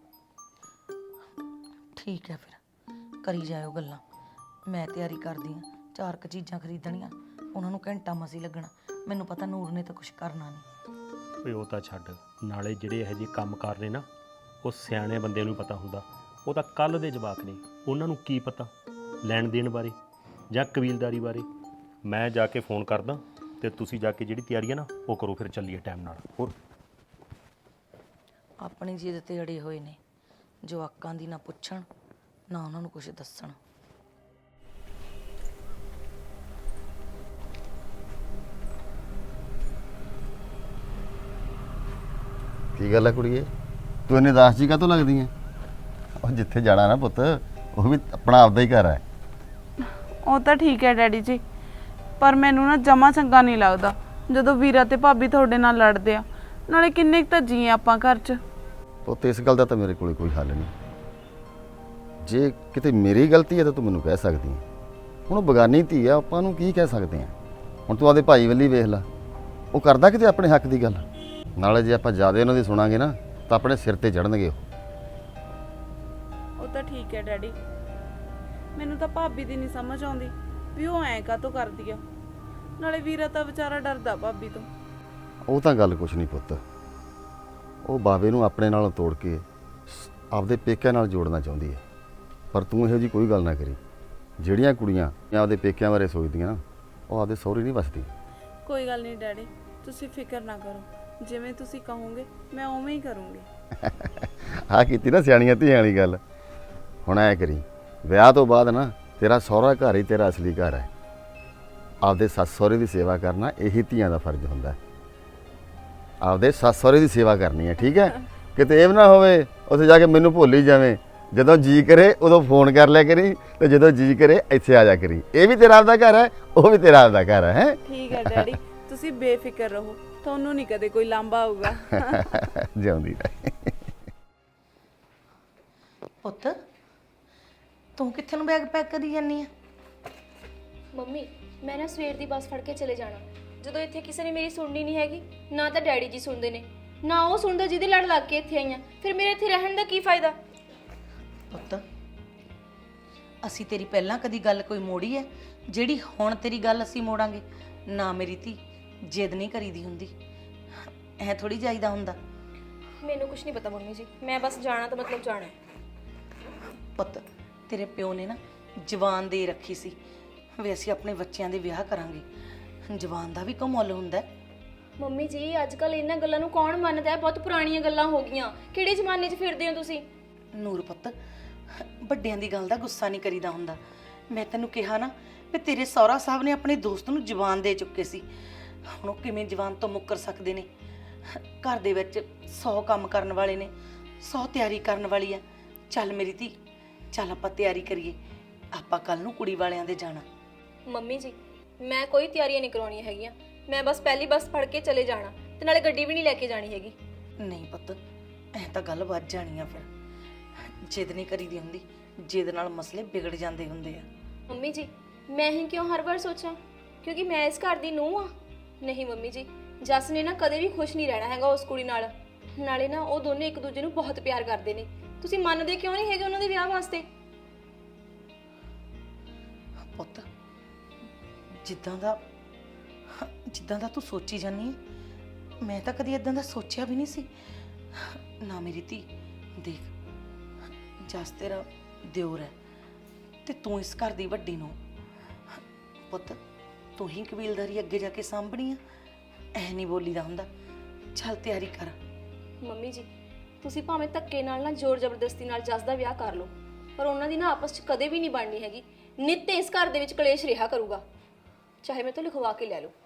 Speaker 4: ਠੀਕ ਹੈ, ਫਿਰ ਕਰੀ ਜਾਇਓ ਗੱਲਾਂ। ਮੈਂ ਤਿਆਰੀ ਕਰਦੀ ਹਾਂ, ਚਾਰ ਕੁ ਚੀਜ਼ਾਂ ਖਰੀਦਣੀਆਂ, ਉਹਨਾਂ ਨੂੰ ਘੰਟਾ ਮਸੀ ਲੱਗਣਾ। ਮੈਨੂੰ ਪਤਾ ਨੂਰ ਨੇ ਤਾਂ ਕੁਝ ਕਰਨਾ ਨਹੀਂ।
Speaker 2: ਓਏ ਉਹ ਤਾਂ ਛੱਡ, ਨਾਲੇ ਜਿਹੜੇ ਇਹੋ ਜਿਹੇ ਕੰਮ ਕਰ ਰਹੇ ਨਾ ਉਹ ਸਿਆਣੇ ਬੰਦੇ ਨੂੰ ਪਤਾ ਹੁੰਦਾ। ਉਹ ਤਾਂ ਕੱਲ ਦੇ ਜਵਾਕ ਨੇ, ਉਹਨਾਂ ਨੂੰ ਕੀ ਪਤਾ ਲੈਣ ਦੇਣ ਬਾਰੇ ਜਾਂ ਕਬੀਲਦਾਰੀ ਬਾਰੇ। ਮੈਂ ਜਾ ਕੇ ਫੋਨ ਕਰਦਾ ਤੇ ਤੁਸੀਂ ਜਾ ਕੇ ਜਿਹੜੀ ਤਿਆਰੀ ਹੈ ਨਾ ਉਹ ਕਰੋ, ਫਿਰ ਚੱਲੀਏ ਟਾਈਮ ਨਾਲ। ਹੋਰ
Speaker 4: ਆਪਣੀ ਜਿੱਦ ਤੇ ਅੜੇ ਹੋਏ ਨੇ, ਜਵਾਕਾਂ ਦੀ ਨਾ ਪੁੱਛਣ ਨਾ ਉਹਨਾਂ ਨੂੰ ਕੁਝ ਦੱਸਣ।
Speaker 6: ਕੀ ਗੱਲ ਹੈ ਕੁੜੀਏ, ਤੂੰ ਇੰਨੀ ਉਦਾਸ ਜੀ ਕਾਹਤੋਂ ਲੱਗਦੀ ਹੈ? ਉਹ ਜਿੱਥੇ ਜਾਣਾ ਨਾ ਪੁੱਤ, ਉਹ ਵੀ ਆਪਣਾ ਆਪਦਾ ਹੀ ਘਰ ਹੈ।
Speaker 1: ਉਹ ਤਾਂ ਠੀਕ ਹੈ ਡੈਡੀ ਜੀ, ਪਰ ਮੈਨੂੰ ਨਾ ਜਮਾ ਚੰਗਾ ਨਹੀਂ ਲੱਗਦਾ ਜਦੋਂ ਵੀਰਾ ਤੇ ਭਾਬੀ ਤੁਹਾਡੇ ਨਾਲ ਲੜਦੇ ਆ। ਨਾਲੇ ਕਿੰਨੇ ਕੁ ਤਾਂ ਜੀ ਆਪਾਂ ਘਰ 'ਚ।
Speaker 6: ਪੁੱਤ ਇਸ ਗੱਲ ਦਾ ਤਾਂ ਮੇਰੇ ਕੋਲ ਕੋਈ ਹੱਲ ਨਹੀਂ। ਜੇ ਕਿਤੇ ਮੇਰੀ ਗਲਤੀ ਹੈ ਤਾਂ ਤੂੰ ਮੈਨੂੰ ਕਹਿ ਸਕਦੀ ਹੈ। ਹੁਣ ਉਹ ਬਗਾਨੀ ਧੀ ਆ, ਆਪਾਂ ਨੂੰ ਕੀ ਕਹਿ ਸਕਦੇ ਹਾਂ? ਹੁਣ ਤੂੰ ਆਪਦੇ ਭਾਈ ਵੱਲੀ ਵੇਖ ਲੈ, ਉਹ ਕਰਦਾ ਕਿਤੇ ਆਪਣੇ ਹੱਕ ਦੀ ਗੱਲ। ਨਾਲੇ ਜੇ ਆਪਾਂ ਜ਼ਿਆਦਾ ਉਹਨਾਂ ਦੀ ਸੁਣਾਂਗੇ ਨਾ ਤਾਂ ਆਪਣੇ ਸਿਰ ਤੇ ਚੜਨਗੇ ਉਹ।
Speaker 1: ਉਹ ਤਾਂ ਠੀਕ ਹੈ ਡੈਡੀ, ਮੈਨੂੰ ਤਾਂ ਭਾਬੀ ਦੀ ਨਹੀਂ ਸਮਝ ਆਉਂਦੀ ਵੀ ਉਹ ਐਂ ਕਾਹਤੋਂ ਕਰਦੀ ਆ। ਨਾਲੇ ਵੀਰਾ ਤਾਂ ਵਿਚਾਰਾ ਡਰਦਾ ਭਾਬੀ ਤੋਂ।
Speaker 6: ਉਹ ਤਾਂ ਗੱਲ ਕੁਛ ਨਹੀਂ ਪੁੱਤ, ਉਹ ਬਾਵੇ ਨੂੰ ਆਪਣੇ ਨਾਲੋਂ ਤੋੜ ਕੇ ਆਪਦੇ ਪੇਕਿਆਂ ਨਾਲ ਜੋੜਨਾ ਚਾਹੁੰਦੀ ਹੈ। ਪਰ ਤੂੰ ਇਹੋ ਜਿਹੀ ਕੋਈ ਗੱਲ ਨਾ ਕਰੀ। ਜਿਹੜੀਆਂ ਕੁੜੀਆਂ ਆਪਦੇ ਪੇਕਿਆਂ ਬਾਰੇ ਸੋਚਦੀਆਂ ਨਾ, ਉਹ ਆਪਦੇ ਸਹੁਰੇ ਨਹੀਂ ਵਸਦੀ।
Speaker 1: ਕੋਈ ਗੱਲ ਨਹੀਂ ਡੈਡੀ, ਤੁਸੀਂ ਫਿਕਰ ਨਾ ਕਰੋ, ਜਿਵੇਂ ਤੁਸੀਂ ਕਹੋਗੇ ਮੈਂ ਉਵੇਂ ਹੀ ਕਰੂੰਗੀ।
Speaker 6: ਆਹ ਕੀਤੀ ਨਾ ਸਿਆਣੀਆਂ ਧੀਆਂ ਵਾਲੀ ਗੱਲ। ਹੁਣ ਐ ਕਰੀ, ਵਿਆਹ ਤੋਂ ਬਾਅਦ ਨਾ ਤੇਰਾ ਸਹੁਰਾ ਘਰ ਹੀ ਤੇਰਾ ਅਸਲੀ ਘਰ ਹੈ। ਆਪਦੇ ਸੱਸ ਸਹੁਰੇ ਦੀ ਸੇਵਾ ਕਰਨਾ ਇਹੀ ਧੀਆਂ ਦਾ ਫਰਜ਼ ਹੁੰਦਾ ਹੈ। ਆਪਦੇ ਸੱਸ ਸਹੁਰੇ ਦੀ ਸੇਵਾ ਕਰਨੀ ਹੈ, ਠੀਕ ਹੈ? ਕਿਤੇ ਇਹ ਨਾ ਹੋਵੇ ਉੱਥੇ ਜਾ ਕੇ ਮੈਨੂੰ ਭੁੱਲ ਹੀ ਜਾਵੇਂ। ਜਦੋਂ ਜੀ ਕਰੇ ਉਦੋਂ ਫੋਨ ਕਰ ਲਿਆ ਕਰੀ, ਤੇ ਜਦੋਂ ਜੀ ਕਰੇ ਇੱਥੇ ਆ ਜਾ ਕਰੀ। ਇਹ ਵੀ ਤੇਰਾ ਆਪਦਾ ਘਰ ਹੈ, ਉਹ ਵੀ ਤੇਰਾ ਆਪਦਾ ਘਰ ਹੈ।
Speaker 1: ਠੀਕ ਹੈ ਡੈਡੀ, ਤੁਸੀਂ ਬੇਫਿਕਰ ਰਹੋ, ਤੁਹਾਨੂੰ ਨਹੀਂ ਕਦੇ ਕੋਈ ਲਾਂਭਾ ਆਊਗਾ।
Speaker 6: ਜਿਉਂਦੀ ਰਹੇ।
Speaker 4: ਪੁੱਤ ਤੂੰ ਕਿੱਥੇ ਨੂੰ ਬੈਗ ਪੈਕ ਕਰੀ ਜਾਨੀ ਆ?
Speaker 5: ਮੰਮੀ ਮੈਂ ਨਾ ਸਵੇਰ ਦੀ ਬੱਸ ਫੜ ਕੇ ਚਲੇ ਜਾਣਾ। ਜਦੋਂ ਇੱਥੇ ਕਿਸੇ ਨੇ ਮੇਰੀ ਸੁਣਨੀ ਨਹੀਂ ਹੈਗੀ, ਨਾ ਤਾਂ ਡੈਡੀ ਜੀ ਸੁਣਦੇ ਨੇ ਨਾ ਉਹ ਸੁਣਦਾ ਜਿਹਦੇ ਲੜ ਲੱਗ ਕੇ ਇੱਥੇ ਆਈਆਂ, ਫਿਰ ਮੇਰੇ ਇੱਥੇ ਰਹਿਣ ਦਾ ਕੀ ਫਾਇਦਾ?
Speaker 4: ਪੁੱਤ ਅਸੀਂ ਤੇਰੀ ਪਹਿਲਾਂ ਕਦੀ ਗੱਲ ਕੋਈ ਮੋੜੀ ਹੈ ਜਿਹੜੀ ਹੁਣ ਤੇਰੀ ਗੱਲ ਅਸੀਂ ਮੋੜਾਂਗੇ? ਨਾ ਮੇਰੀ ਧੀ, ਜਿੱਦ ਨਹੀਂ ਕਰੀਦੀ ਹੁੰਦੀ, ਐ ਥੋੜੀ ਜਾਈਦਾ ਹੁੰਦਾ।
Speaker 5: ਮੈਨੂੰ ਕੁਝ ਨਹੀਂ ਪਤਾ ਮੰਮੀ ਜੀ, ਮੈਂ ਬਸ ਜਾਣਾ ਤਾਂ ਮਤਲਬ ਜਾਣਾ।
Speaker 4: ਪੁੱਤ ਤੇਰੇ ਪਿਓ ਨੇ ਨਾ ਜਵਾਨ ਦੇ ਰੱਖੀ ਸੀ ਵੀ ਅਸੀਂ ਆਪਣੇ ਬੱਚਿਆਂ ਦੇ ਵਿਆਹ ਕਰਾਂਗੇ। ਜਵਾਨ ਦਾ ਵੀ ਕੋਈ ਮੁੱਲ ਹੁੰਦਾ ਹੈ।
Speaker 5: ਮੰਮੀ ਜੀ ਅੱਜ ਕੱਲ ਇਹਨਾਂ ਗੱਲਾਂ ਨੂੰ ਕੌਣ ਮੰਨਦਾ ਹੈ? ਬਹੁਤ ਪੁਰਾਣੀਆਂ ਗੱਲਾਂ ਹੋ ਗਈਆਂ। ਕਿਹੜੇ ਜ਼ਮਾਨੇ 'ਚ ਫਿਰਦੇ ਹੋ ਤੁਸੀਂ?
Speaker 4: ਨੂਰ ਪੁੱਤ, ਵੱਡਿਆਂ ਦੀ ਗੱਲ ਦਾ ਗੁੱਸਾ ਨਹੀਂ ਕਰੀਦਾ ਹੁੰਦਾ। ਮੈਂ ਤੈਨੂੰ ਕਿਹਾ ਨਾ ਵੀ ਤੇਰੇ ਸਹੁਰਾ ਸਾਹਿਬ ਨੇ ਆਪਣੇ ਦੋਸਤ ਨੂੰ ਜਵਾਨ ਦੇ ਚੁੱਕੇ ਸੀ। ਹੁਣ ਉਹ ਕਿਵੇਂ ਜਵਾਨ ਤੋਂ ਮੁੱਕਰ ਸਕਦੇ ਨੇ? ਘਰ ਦੇ ਵਿੱਚ ਸੌ ਕੰਮ ਕਰਨ ਵਾਲੇ ਨੇ, ਸੌ ਤਿਆਰੀ ਕਰਨ ਵਾਲੀ ਆ। ਚੱਲ ਮੇਰੀ ਧੀ, ਚੱਲ ਆਪਾਂ ਤਿਆਰੀ ਕਰੀਏ, ਆਪਾਂ ਕੱਲ ਨੂੰ ਕੁੜੀ ਵਾਲਿਆਂ ਦੇ ਜਾਣਾ।
Speaker 5: ਮੰਮੀ ਜੀ ਮੈਂ ਕੋਈ ਤਿਆਰੀਆਂ ਨਹੀਂ ਕਰਾਉਣੀਆਂ ਹੈਗੀਆਂ, ਮੈਂ ਬਸ ਪਹਿਲੀ ਬੱਸ ਫੜ ਕੇ ਚਲੇ ਜਾਣਾ, ਤੇ ਨਾਲੇ ਗੱਡੀ ਵੀ ਨਹੀਂ ਲੈ ਕੇ ਜਾਣੀ ਹੈਗੀ।
Speaker 4: ਨਹੀਂ ਪੁੱਤ, ਐ ਤਾਂ ਗੱਲ ਵੱਧ ਜਾਣੀ ਆ। ਫਿਰ ਜਿੱਦ ਨਹੀਂ ਕਰੀਦੀ ਹੁੰਦੀ, ਜਿੱਦ ਨਾਲ ਮਸਲੇ ਵਿਗੜ ਜਾਂਦੇ ਹੁੰਦੇ ਆ।
Speaker 5: ਮੰਮੀ ਜੀ ਮੈਂ ਹੀ ਕਿਉਂ ਹਰ ਵਾਰ ਸੋਚਾਂ ਕਿਉਂਕਿ ਮੈਂ ਇਸ ਘਰ ਦੀ ਨੂੰਹ ਆ? ਨਹੀਂ ਮੰਮੀ ਜੀ, ਜੱਸ ਨੇ ਨਾ ਕਦੇ ਵੀ ਖੁਸ਼ ਨਹੀਂ ਰਹਿਣਾ ਹੈਗਾ ਉਸ ਕੁੜੀ ਨਾਲ। ਨਾਲੇ ਨਾ ਉਹ ਦੋਨੇ ਇੱਕ ਦੂਜੇ ਨੂੰ ਬਹੁਤ ਪਿਆਰ ਕਰਦੇ ਨੇ। ਤੁਸੀਂ ਮੰਨਦੇ ਕਿਉਂ ਨਹੀਂ ਹੈਗੇ ਉਹਨਾਂ ਦੇ ਵਿਆਹ ਵਾਸਤੇ?
Speaker 4: ਪੁੱਤ ਜਿੱਦਾਂ ਦਾ ਜਿੱਦਾਂ ਦਾ ਤੂੰ ਸੋਚੀ ਜਾਨੀ ਹੈ, ਮੈਂ ਤਾਂ ਕਦੀ ਇਦਾਂ ਦਾ ਸੋਚਿਆ ਵੀ ਨਹੀਂ ਸੀ। ਨਾ ਮੇਰੀ ਧੀ, ਦੇਖ ਜਸ ਤੇਰਾ ਦਿਓਰ ਹੈ ਤੇ ਤੂੰ ਇਸ ਘਰ ਦੀ ਵੱਡੀ ਨੂੰ। ਪੁੱਤ ਤੂੰ ਹੀ ਕਬੀਲਦਾਰੀ ਅੱਗੇ ਜਾ ਕੇ ਸਾਂਭਣੀ ਆ, ਐ ਨਹੀਂ ਬੋਲੀਦਾ ਹੁੰਦਾ। ਚੱਲ ਤਿਆਰੀ ਕਰ।
Speaker 5: ਮੰਮੀ ਜੀ ਤੁਸੀਂ ਭਾਵੇਂ ਧੱਕੇ ਨਾਲ ਨਾ ਜ਼ੋਰ ਜ਼ਬਰਦਸਤੀ ਨਾਲ ਜੱਸ ਦਾ ਵਿਆਹ ਕਰ ਲਓ, ਪਰ ਉਹਨਾਂ ਦੀ ਨਾ ਆਪਸ 'ਚ ਕਦੇ ਵੀ ਨਹੀਂ ਬਣਨੀ ਹੈਗੀ। ਨਿੱਤ ਇਸ ਘਰ ਦੇ ਵਿੱਚ ਕਲੇਸ਼ ਰਿਹਾ ਕਰੂਗਾ, ਚਾਹੇ ਮੈਂ ਤੋਂ ਲਿਖਵਾ ਕੇ ਲੈ ਲਓ।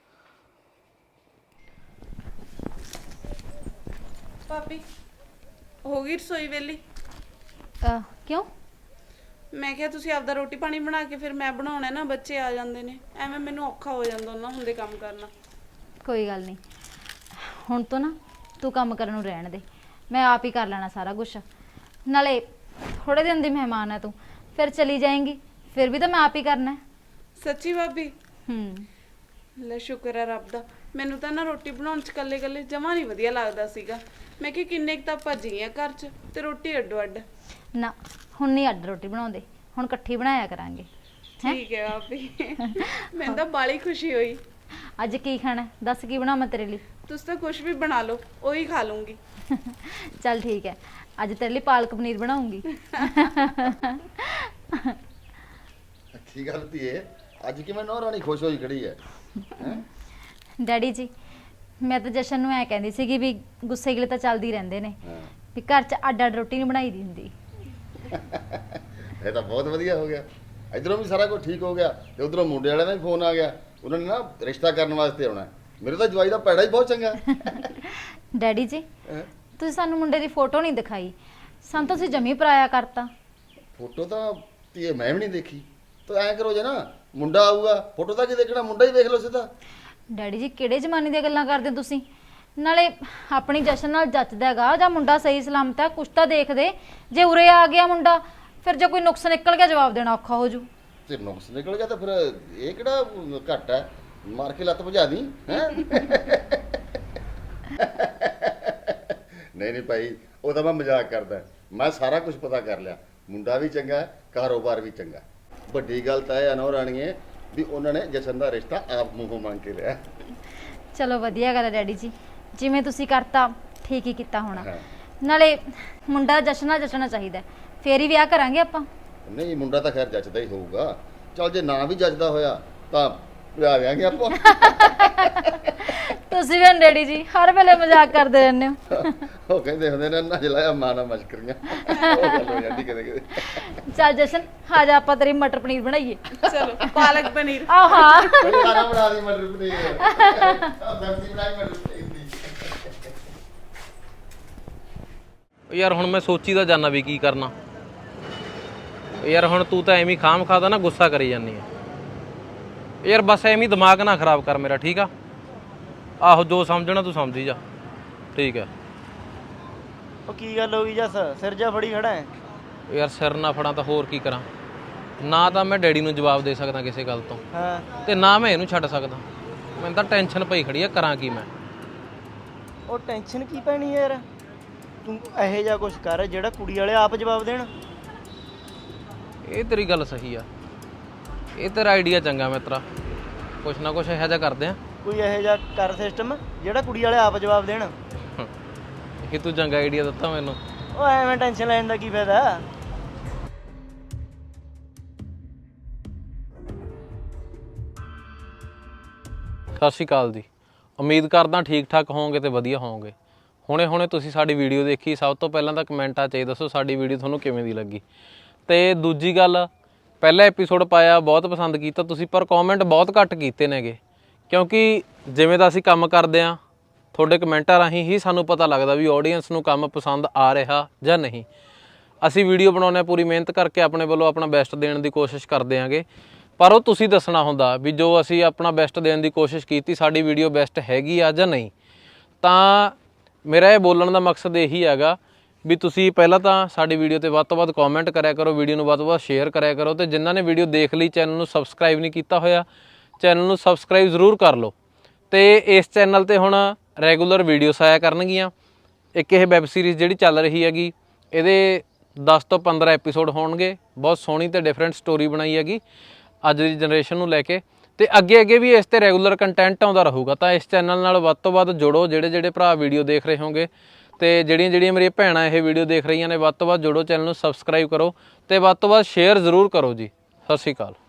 Speaker 1: ਭਾਬੀ ਹੋ ਗਈ ਰਸੋਈ ਵੇਲੀ?
Speaker 3: ਅਹ, ਕਿਉਂ?
Speaker 1: ਮੈਂ ਕਿਹਾ ਤੁਸੀਂ ਆਪਦਾ ਰੋਟੀ ਪਾਣੀ ਬਣਾ ਕੇ ਫਿਰ ਮੈਂ ਬਣਾਉਣਾ ਨਾ, ਬੱਚੇ ਆ ਜਾਂਦੇ ਨੇ, ਐਵੇਂ ਮੈਨੂੰ ਔਖਾ ਹੋ ਜਾਂਦਾ ਉਹਨਾਂ ਹੁੰਦੇ ਕੰਮ ਕਰਨਾ।
Speaker 3: ਕੋਈ ਗੱਲ ਨਹੀਂ, ਹੁਣ ਤੋਂ ਨਾ ਤੂੰ ਕੰਮ ਕਰਨ ਨੂੰ ਰਹਿਣ ਦੇ, ਮੈਂ ਆਪ ਹੀ ਕਰ ਲੈਣਾ ਸਾਰਾ ਕੁਛ। ਨਾਲੇ ਥੋੜੇ ਦਿਨ ਦੀ ਮਹਿਮਾਨ ਹੈ ਤੂੰ, ਫਿਰ ਚਲੀ ਜਾਏਂਗੀ, ਫਿਰ ਵੀ ਤਾਂ ਮੈਂ ਆਪ ਹੀ ਕਰਨਾ ਹੈ।
Speaker 1: ਸੱਚੀ ਭਾਬੀ?
Speaker 3: ਹੂੰ
Speaker 1: ਲੈ ਸ਼ੁਕਰ ਹੈ ਰੱਬ ਦਾ। ਮੈਨੂੰ ਤਾਂ ਨਾ ਰੋਟੀ ਬਣਾਉਣ 'ਚ ਇਕੱਲੇ ਇਕੱਲੇ ਜਮਾਂ ਨਹੀਂ ਵਧੀਆ ਲੱਗਦਾ ਸੀਗਾ। ਮੈਂ ਕਿ ਕਿੰਨੇ ਕੁ ਤਾਂ ਭੱਜ ਗਈਆਂ ਘਰ 'ਚ ਤੇ ਰੋਟੀ ਅੱਡੋ ਅੱਡ।
Speaker 3: ਨਾ ਹੁਣ ਨਹੀਂ ਅੱਡ ਰੋਟੀ ਬਣਾਉਂਦੇ, ਹੁਣ ਇਕੱਠੀ ਬਣਾਇਆ ਕਰਾਂਗੇ।
Speaker 1: ਠੀਕ ਹੈ ਭਾਬੀ ਮੈਨੂੰ ਤਾਂ ਬਾਲੀ ਖੁਸ਼ੀ ਹੋਈ।
Speaker 3: ਅੱਜ ਕੀ ਖਾਣਾ ਹੈ? ਦੱਸ ਕੀ ਬਣਾਵਾਂ ਤੇਰੇ ਲਈ?
Speaker 1: ਤੁਸੀਂ ਤਾਂ ਕੁਝ ਵੀ ਬਣਾ ਲਓ, ਉਹੀ ਖਾ ਲੂੰਗੀ।
Speaker 3: ਚੱਲ ਠੀਕ ਹੈ, ਅੱਜ ਤੇਰੇ ਲਈ ਪਾਲਕ ਪਨੀਰ ਬਣਾਉਂਗੀ।
Speaker 6: ਅੱਛੀ ਗੱਲ ਧੀਏ, ਅੱਜ ਕਿਵੇਂ ਨੌ ਰਾਣੀ ਖੁਸ਼ ਹੋਈ ਖੜੀ ਹੈ ਹੈਂ?
Speaker 3: ਡੈਡੀ ਜੀ, ਮੈਂ ਤਾਂ ਜਸ਼ਨ ਨੂੰ ਐ ਕਹਿੰਦੀ ਸੀਗੀ ਵੀ ਗੁੱਸੇ ਗਿਲੇ ਤਾਂ ਚੱਲਦੀ ਰਹਿੰਦੇ ਨੇ,
Speaker 6: ਹਾਂ।
Speaker 3: ਵੀ ਘਰ 'ਚ ਅੱਡ ਅੱਡ ਰੋਟੀ ਨਹੀਂ ਬਣਾਈ ਦੀ ਹੁੰਦੀ।
Speaker 6: ਇਹ ਤਾਂ ਬਹੁਤ ਵਧੀਆ ਹੋ ਗਿਆ। ਇਧਰੋਂ ਵੀ ਸਾਰਾ ਕੁਝ ਠੀਕ ਹੋ ਗਿਆ ਤੇ ਉਧਰੋਂ ਮੁੰਡੇ ਵਾਲਿਆਂ ਦਾ ਵੀ ਫੋਨ ਆ ਗਿਆ, ਉਹਨਾਂ ਨੇ ਨਾ ਰਿਸ਼ਤਾ ਕਰਨ ਵਾਸਤੇ ਆਉਣਾ। ਮੇਰੇ ਤਾਂ ਜਵਾਈ ਦਾ ਪੈੜਾ ਹੀ ਬਹੁਤ ਚੰਗਾ।
Speaker 3: ਡੈਡੀ ਜੀ,
Speaker 6: ਹੈਂ?
Speaker 3: ਤੁਸੀਂ ਸਾਨੂੰ ਮੁੰਡੇ ਦੀ ਫੋਟੋ ਨਹੀਂ ਦਿਖਾਈ, ਸਾਨੂੰ ਤਾਂ ਤੁਸੀਂ ਜਮੀ ਪਰਾਇਆ ਕਰਤਾ।
Speaker 6: ਫੋਟੋ ਤਾਂ ਧੀਏ ਮੈਂ ਵੀ ਨਹੀਂ ਦੇਖੀ। ਤਾਂ ਐਂ ਕਰੋ ਜੇ ਨਾ, ਮੁੰਡਾ ਆਊਗਾ, ਫੋਟੋ ਤਾਂ ਕੀ ਦੇਖਣਾ, ਮੁੰਡਾ ਹੀ ਦੇਖ ਲਓ ਸਿੱਧਾ।
Speaker 3: ਡੈਡੀ ਜੀ, ਕਿਹੜੇ ਜ਼ਮਾਨੇ ਦੀਆਂ ਗੱਲਾਂ ਕਰਦੇ ਹੋ ਤੁਸੀਂ? ਨਾਲੇ ਆਪਣੀ ਜਸ਼ਨ ਨਾਲ ਜੱਚਦਾ ਹੈਗਾ ਜਾਂ ਮੁੰਡਾ ਸਹੀ ਸਲਾਮਤ ਹੈ, ਕੁਛ ਤਾਂ ਦੇਖਦੇ। ਜੇ ਉਰੇ ਆ ਗਿਆ ਮੁੰਡਾ, ਫਿਰ ਜੇ ਕੋਈ ਨੁਕਸ ਨਿਕਲ ਗਿਆ ਜਵਾਬ ਦੇਣਾ ਔਖਾ ਹੋ ਜੂ।
Speaker 6: ਤੇ ਨੁਕਸ ਨਿਕਲ ਗਿਆ ਤਾਂ ਫਿਰ ਇਹ ਕਿਹੜਾ ਘੱਟ ਹੈ, ਮਾਰ ਕੇ ਲੱਤ ਭਜਾ ਦੀ ਹੈ। ਨਹੀਂ ਨਹੀਂ ਭਾਈ, ਉਹ ਤਾਂ ਮੈਂ ਮਜ਼ਾਕ ਕਰਦਾ। ਮੈਂ ਸਾਰਾ ਕੁਝ ਪਤਾ ਕਰ ਲਿਆ, ਮੁੰਡਾ ਵੀ ਚੰਗਾ, ਕਾਰੋਬਾਰ ਵੀ ਚੰਗਾ। ਵੱਡੀ ਗੱਲ ਤਾਂ ਇਹ ਆ ਨੌ ਰਾਣੀਏ ਵੀ ਉਹਨਾਂ ਨੇ ਜਸ਼ਨ ਦਾ ਰਿਸ਼ਤਾ ਆਪ ਮੂੰਹੋਂ ਮੰਗ ਕੇ ਲਿਆ।
Speaker 3: ਚਲੋ ਵਧੀਆ ਗੱਲ ਹੈ ਡੈਡੀ ਜੀ, ਜਿਵੇਂ ਤੁਸੀਂ ਕਰਤਾ ਠੀਕ ਹੀ ਕੀਤਾ ਹੋਣਾ।
Speaker 6: ਹਾਂ।
Speaker 3: ਨਾਲੇ ਮੁੰਡਾ ਜਸ਼ਨ ਨਾਲ ਜੱਚਣਾ ਚਾਹੀਦਾ, ਫੇਰ ਹੀ ਵਿਆਹ ਕਰਾਂਗੇ ਆਪਾਂ।
Speaker 6: ਨਹੀਂ, ਮੁੰਡਾ ਤਾਂ ਖੈਰ ਜੱਜਦਾ ਹੀ ਹੋਊਗਾ। ਚਲ ਜੇ ਨਾ ਵੀ ਜੱਜਦਾ ਹੋਇਆ ਤਾਂ ਵਿਆਹ ਵਿਆਹਾਂਗੇ ਆਪਾਂ।
Speaker 3: ਤੁਸੀਂ ਵੀ ਡੈਡੀ ਜੀ ਹਰ ਵੇਲੇ ਮਜ਼ਾਕ ਕਰਦੇ ਰਹਿੰਦੇ ਹੋ।
Speaker 6: ਉਹ ਕਹਿੰਦੇ ਹੁੰਦੇ ਨੇ ਨਾ ਜਲਾਇਆ ਮਾਂ ਨਾਲ ਮਸ਼ਕਰੀਆਂ। ਉਹ ਗੱਲ ਹੋ ਜਾਂਦੀ ਕਦੇ ਕਦੇ।
Speaker 3: ਚੱਲ ਜਸ਼ਨ, ਆ ਜਾ ਆਪਾਂ ਤੇਰੀ ਮਟਰ ਪਨੀਰ ਬਣਾਈਏ।
Speaker 1: ਚਲੋ ਪਾਲਕ ਪਨੀਰ।
Speaker 3: ਆਹ ਹਾਂ,
Speaker 6: ਕੋਈ ਖਾਣਾ ਬਣਾ ਦੀ ਮਟਰ ਪਨੀਰ। ਸਬਜ਼ੀ ਬਣਾਈ ਮਟਰ ਪਨੀਰ ਦੀ।
Speaker 8: ਯਾਰ ਹੁਣ ਮੈਂ ਸੋਚੀ ਤਾਂ ਜਾਣਾ ਵੀ ਕੀ ਕਰਨਾ। ਯਾਰ ਹੁਣ ਤੂੰ ਤਾਂ ਐਵੇਂ ਖਾਮ ਖਾਦਾ ਨਾ ਗੁੱਸਾ ਕਰੀ ਜਾਂਦੀ ਆ। ਯਾਰ ਬਸ ਐਵੇਂ ਦਿਮਾਗ ਨਾ ਖਰਾਬ ਕਰ ਮੇਰਾ, ਠੀਕ ਆ? ਆਹੋ, ਜੋ ਸਮਝਣਾ ਤੂੰ ਸਮਝੀ ਜਾ, ਠੀਕ ਹੈ।
Speaker 9: ਉਹ ਕੀ ਗੱਲ ਹੋ ਗਈ ਜੱਸ, ਸਿਰ ਜਾ ਫੜੀ ਖੜਾ ਹੈ?
Speaker 8: ਯਾਰ ਸਿਰ ਨਾ ਫੜਾਂ ਤਾਂ ਹੋਰ ਕੀ ਕਰਾਂ? ਨਾ ਤਾਂ ਮੈਂ ਡੈਡੀ ਨੂੰ ਜਵਾਬ ਦੇ ਸਕਦਾ ਕਿਸੇ ਗੱਲ ਤੋਂ,
Speaker 9: ਹਾਂ,
Speaker 8: ਤੇ ਨਾ ਮੈਂ ਇਹਨੂੰ ਛੱਡ ਸਕਦਾ। ਮੈਨੂੰ ਤਾਂ ਟੈਨਸ਼ਨ ਪਈ ਖੜੀ ਆ, ਕਰਾਂ ਕੀ ਮੈਂ?
Speaker 9: ਉਹ ਟੈਨਸ਼ਨ ਕੀ ਪੈਣੀ ਯਾਰ, ਤੂੰ ਇਹੋ ਜਿਹਾ ਕੁਝ ਕਰ ਜਿਹੜਾ ਕੁੜੀ ਵਾਲੇ ਆਪ ਜਵਾਬ ਦੇਣ।
Speaker 8: ਇਹ ਤੇਰੀ ਗੱਲ ਸਹੀ ਆ, ਇਹ ਤੇਰਾ ਆਈਡੀਆ ਚੰਗਾ ਮਿੱਤਰਾ। ਕੁਛ ਨਾ ਕੁਛ ਇਹੋ ਜਿਹਾ ਕਰਦੇ ਆ।
Speaker 9: ਕੋਈ ਇਹੋ ਜਿਹਾ ਕਰ ਸਿਸਟਮ ਜਿਹੜਾ ਕੁੜੀ ਵਾਲੇ ਆਪ ਜਵਾਬ ਦੇਣ।
Speaker 8: ਇਹ ਤੂੰ ਚੰਗਾ ਆਈਡੀਆ ਦਿੱਤਾ ਮੈਨੂੰ।
Speaker 9: ਉਹ ਐਵੇਂ ਟੈਨਸ਼ਨ ਲੈਣ ਦਾ ਕੀ ਫਾਇਦਾ?
Speaker 8: ਸਤਿ ਸ਼੍ਰੀ ਅਕਾਲ ਜੀ, ਉਮੀਦ ਕਰਦਾ ਠੀਕ ਠਾਕ ਹੋਵੋਗੇ ਤੇ ਵਧੀਆ ਹੋਵੋਗੇ। ਹੁਣੇ ਹੁਣੇ ਤੁਸੀਂ ਸਾਡੀ ਵੀਡੀਓ ਦੇਖੀ, ਸਭ ਤੋਂ ਪਹਿਲਾਂ ਤਾਂ ਕਮੈਂਟਾਂ 'ਚ ਇਹ ਦੱਸੋ ਸਾਡੀ ਵੀਡੀਓ ਤੁਹਾਨੂੰ ਕਿਵੇਂ ਦੀ ਲੱਗੀ। ਤੇ ਦੂਜੀ ਗੱਲ, ਪਹਿਲਾ ਐਪੀਸੋਡ ਪਾਇਆ, ਬਹੁਤ ਪਸੰਦ ਕੀਤਾ ਤੁਸੀਂ, ਪਰ ਕਮੈਂਟ ਬਹੁਤ ਘੱਟ ਕੀਤੇ ਨੇਗੇ। ਕਿਉਂਕਿ ਜਿਵੇਂ ਦਾ ਅਸੀਂ ਕੰਮ ਕਰਦੇ ਹਾਂ, ਤੁਹਾਡੇ ਕਮੈਂਟਾਂ ਰਾਹੀਂ ਹੀ ਸਾਨੂੰ ਪਤਾ ਲੱਗਦਾ ਵੀ ਆਡੀਅנס ਨੂੰ ਕੰਮ ਪਸੰਦ ਆ ਰਿਹਾ ਜਾਂ ਨਹੀਂ। ਅਸੀਂ ਵੀਡੀਓ ਬਣਾਉਂਦੇ ਹਾਂ ਪੂਰੀ ਮਿਹਨਤ ਕਰਕੇ, ਆਪਣੇ ਵੱਲੋਂ ਆਪਣਾ ਬੈਸਟ ਦੇਣ ਦੀ ਕੋਸ਼ਿਸ਼ ਕਰਦੇ ਆਂਗੇ, ਪਰ ਉਹ ਤੁਸੀਂ ਦੱਸਣਾ ਹੁੰਦਾ ਵੀ ਜੋ ਅਸੀਂ ਆਪਣਾ ਬੈਸਟ ਦੇਣ ਦੀ ਕੋਸ਼ਿਸ਼ ਕੀਤੀ, ਸਾਡੀ ਵੀਡੀਓ ਬੈਸਟ ਹੈਗੀ ਆ ਜਾਂ ਨਹੀਂ। ਤਾਂ ਮੇਰਾ ਇਹ ਬੋਲਣ ਦਾ ਮਕਸਦ ਇਹੀ ਹੈਗਾ ਵੀ ਤੁਸੀਂ ਪਹਿਲਾਂ ਤਾਂ ਸਾਡੀ ਵੀਡੀਓ ਤੇ ਵੱਧ ਤੋਂ ਵੱਧ ਕਮੈਂਟ ਕਰਿਆ ਕਰੋ, ਵੀਡੀਓ ਨੂੰ ਵੱਧ ਤੋਂ ਵੱਧ ਸ਼ੇਅਰ ਕਰਿਆ ਕਰੋ, ਤੇ ਜਿਨ੍ਹਾਂ ਨੇ ਵੀਡੀਓ ਦੇਖ ਲਈ, ਚੈਨਲ ਨੂੰ ਸਬਸਕ੍ਰਾਈਬ ਨਹੀਂ ਕੀਤਾ ਹੋਇਆ, ਚੈਨਲ ਨੂੰ ਸਬਸਕ੍ਰਾਈਬ ਜ਼ਰੂਰ ਕਰ ਲਓ। ਤੇ ਇਸ ਚੈਨਲ ਤੇ ਹੁਣ ਰੈਗੂਲਰ ਵੀਡੀਓਸ ਆਇਆ ਕਰਨਗੀਆਂ। ਇੱਕ ਇਹ ਵੈਬ ਸੀਰੀਜ਼ ਜਿਹੜੀ ਚੱਲ ਰਹੀ ਹੈਗੀ, ਇਹਦੇ ਦਸ ਤੋਂ ਪੰਦਰਾਂ ਐਪੀਸੋਡ ਹੋਣਗੇ। ਬਹੁਤ ਸੋਹਣੀ ਤੇ ਡਿਫਰੈਂਟ ਸਟੋਰੀ ਬਣਾਈ ਹੈਗੀ ਅੱਜ ਦੀ ਜਨਰੇਸ਼ਨ ਨੂੰ ਲੈ ਕੇ, ਤੇ ਅੱਗੇ ਅੱਗੇ ਵੀ ਇਸ ਤੇ ਰੈਗੂਲਰ ਕੰਟੈਂਟ ਆਉਂਦਾ ਰਹੂਗਾ। ਤਾਂ ਇਸ ਚੈਨਲ ਨਾਲ ਵੱਧ ਤੋਂ ਵੱਧ ਜੁੜੋ, ਜਿਹੜੇ ਜਿਹੜੇ ਭਰਾ ਵੀਡੀਓ ਦੇਖ ਰਹੇ ਹੋਗੇ, ਤੇ ਜਿਹੜੀਆਂ ਜਿਹੜੀਆਂ ਮੇਰੀਆਂ ਭੈਣਾਂ ਇਹ ਵੀਡੀਓ ਦੇਖ ਰਹੀਆਂ ਨੇ, ਵੱਧ ਤੋਂ ਵੱਧ ਜੁੜੋ, ਚੈਨਲ ਨੂੰ ਸਬਸਕ੍ਰਾਈਬ ਕਰੋ ਤੇ ਵੱਧ ਤੋਂ ਵੱਧ ਸ਼ੇਅਰ ਜ਼ਰੂਰ ਕਰੋ ਜੀ। ਸਤਿ ਸ਼੍ਰੀ ਅਕਾਲ।